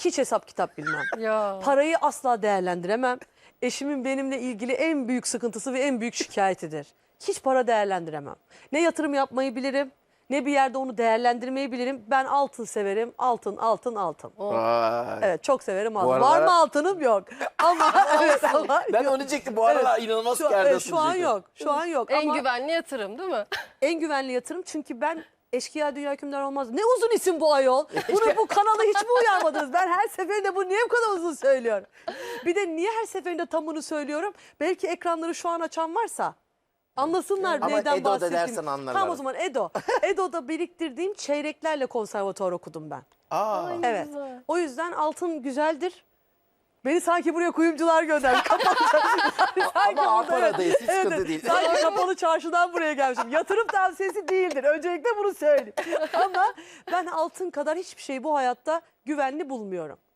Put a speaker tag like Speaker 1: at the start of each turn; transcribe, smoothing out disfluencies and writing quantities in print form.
Speaker 1: Hiç hesap kitap bilmem.
Speaker 2: Ya.
Speaker 1: Parayı asla değerlendiremem. Eşimin benimle ilgili en büyük sıkıntısı ve en büyük şikayetidir. Hiç para değerlendiremem. Ne yatırım yapmayı bilirim, ne bir yerde onu değerlendirmeyi bilirim. Ben altın severim. Altın, altın, altın.
Speaker 3: Vay.
Speaker 1: Evet, çok severim altın.
Speaker 3: aralar-
Speaker 1: Var mı altınım? Yok. Ama evet ama
Speaker 3: Ben
Speaker 1: yok.
Speaker 3: onu diyecektim. Bu aralar inanılmaz kârdasın
Speaker 1: şu an
Speaker 3: diyecektim.
Speaker 1: yok. Şu an yok.
Speaker 2: En
Speaker 1: Ama
Speaker 2: güvenli yatırım değil mi?
Speaker 1: en güvenli yatırım, çünkü ben eşkıya dünya hükümdar olmaz. Ne uzun isim bu ayol. Bu kanalı hiç mi uyarmadınız? Ben her seferinde bu niye bu kadar uzun söylüyorum? Bir de niye her seferinde tamını söylüyorum? Belki ekranları şu an açan varsa anlasınlar
Speaker 3: Ama
Speaker 1: neyden
Speaker 3: Edo da
Speaker 1: bahsettiğimi.
Speaker 3: dersen anlarlar.
Speaker 1: Tamam, o zaman Edo. Edo'da biriktirdiğim çeyreklerle konservatuvar okudum ben.
Speaker 3: Aa.
Speaker 1: Evet.
Speaker 2: Güzel.
Speaker 1: O yüzden altın güzeldir. Beni sanki buraya kuyumcular gönderdi. Kapalı çarşı.
Speaker 3: Ama Ankara'dayız, hiç sıkıntı değil.
Speaker 1: Sanki kapalı çarşıdan buraya gelmişim. Yatırım tavsiyesi değildir. Öncelikle bunu söyleyeyim. Ama ben altın kadar hiçbir şeyi bu hayatta güvenli bulmuyorum.